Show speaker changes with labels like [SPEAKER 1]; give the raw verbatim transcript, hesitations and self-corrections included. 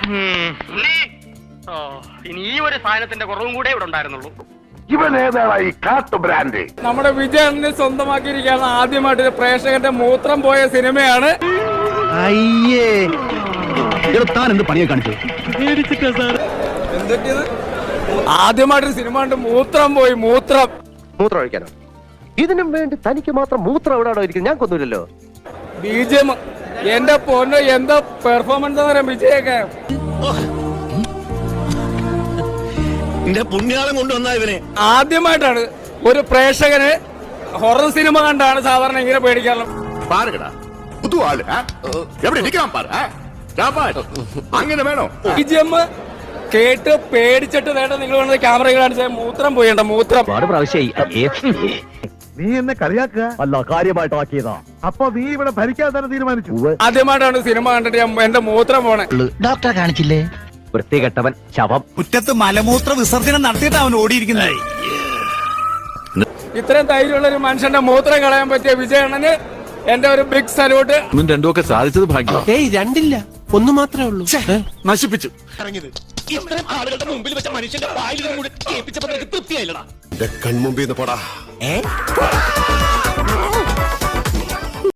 [SPEAKER 1] ഇനി ഈ ഒരു സാധനത്തിന്റെ കുറവും കൂടെ ഇവിടെ ഉണ്ടായിരുന്നുള്ളൂ.
[SPEAKER 2] ഇവൻ ഏതാണ് ഈ കാട്ടു ബ്രാൻഡ്?
[SPEAKER 3] നമ്മുടെ വിജയനെ സ്വന്തമാക്കിയിരിക്കുകയാണ് ആദ്യമായിട്ട് പ്രേക്ഷകന്റെ മൂത്രം പോയ സിനിമയാണ്.
[SPEAKER 4] അയ്യേ താൻ എന്ത് പണിയെ കാണിച്ചു?
[SPEAKER 3] എന്തൊക്കെയാണ് ആദ്യമായിട്ടൊരു സിനിമ ഉണ്ട് മൂത്രം പോയി. മൂത്രം
[SPEAKER 5] മൂത്രം ഒഴിക്കാനോ? ഇതിനും വേണ്ടി തനിക്ക് മാത്രം മൂത്രം എവിടെയാണോ ഇരിക്കുന്നത്? ഞാൻ കൊന്നില്ലല്ലോ.
[SPEAKER 3] ബിജിഎം എന്റെ പൊന്നോ എന്താ പെർഫോമൻസ് എന്ന് പറയാം വിജയൊക്കെ.
[SPEAKER 4] പുണ്യാളം കൊണ്ടുവന്ന ഇവനെ
[SPEAKER 3] ആദ്യമായിട്ടാണ് ഒരു പ്രേക്ഷകന് ഹൊറർ സിനിമ കണ്ടാണ് സാധാരണ ഇങ്ങനെ പേടിക്കാറുള്ളത്.
[SPEAKER 2] അങ്ങനെ വേണോ?
[SPEAKER 3] ബിജിഎം കേട്ട് പേടിച്ചിട്ട് വേണ്ട നിങ്ങൾ വേണ്ടത് ക്യാമറ കാണിച്ച മൂത്രം പോയണ്ട. മൂത്രം
[SPEAKER 2] നീ എന്നെ കളിയാക്കുക
[SPEAKER 5] അല്ല, കാര്യമായിട്ടാക്കിയതാ.
[SPEAKER 2] അപ്പൊ നീ ഇവിടെ ഭരിക്കാൻ തന്നെ തീരുമാനിച്ചു?
[SPEAKER 3] ആദ്യമായിട്ടാണ് സിനിമ കണ്ടിട്ട് ഞാൻ എന്റെ മൂത്രം പോണേ.
[SPEAKER 4] ഡോക്ടറെ കാണിച്ചില്ലേ?
[SPEAKER 5] വൃത്തികെട്ടവൻ ശവം.
[SPEAKER 4] മുറ്റത്ത് മലമൂത്ര വിസർജനം നടത്തിയിട്ട് അവൻ ഓടിയിരിക്കുന്നത്.
[SPEAKER 3] ഇത്രയും ധൈര്യമുള്ള ഒരു മനുഷ്യന്റെ മൂത്രം കളയാൻ പറ്റിയ വിജയണ്ണന് എന്റെ ഒരു ബിഗ് സല്യൂട്ട്.
[SPEAKER 6] ഒന്നും രണ്ടും ഒക്കെ സാധിച്ചത് ഭാഗ്യം.
[SPEAKER 5] ഏയ് രണ്ടില്ല, ഒന്ന് മാത്രമേ ഉള്ളൂ.
[SPEAKER 6] നശിപ്പിച്ചു.
[SPEAKER 4] ഇത്രയും ആളുകളുടെ മുമ്പിൽ വെച്ച മനുഷ്യന്റെ വായിൽ കേൾപ്പിച്ചപ്പോ തൃപ്തിയായില്ലടാ.
[SPEAKER 2] കൺമുമ്പിൽ നിന്ന് പോടാ.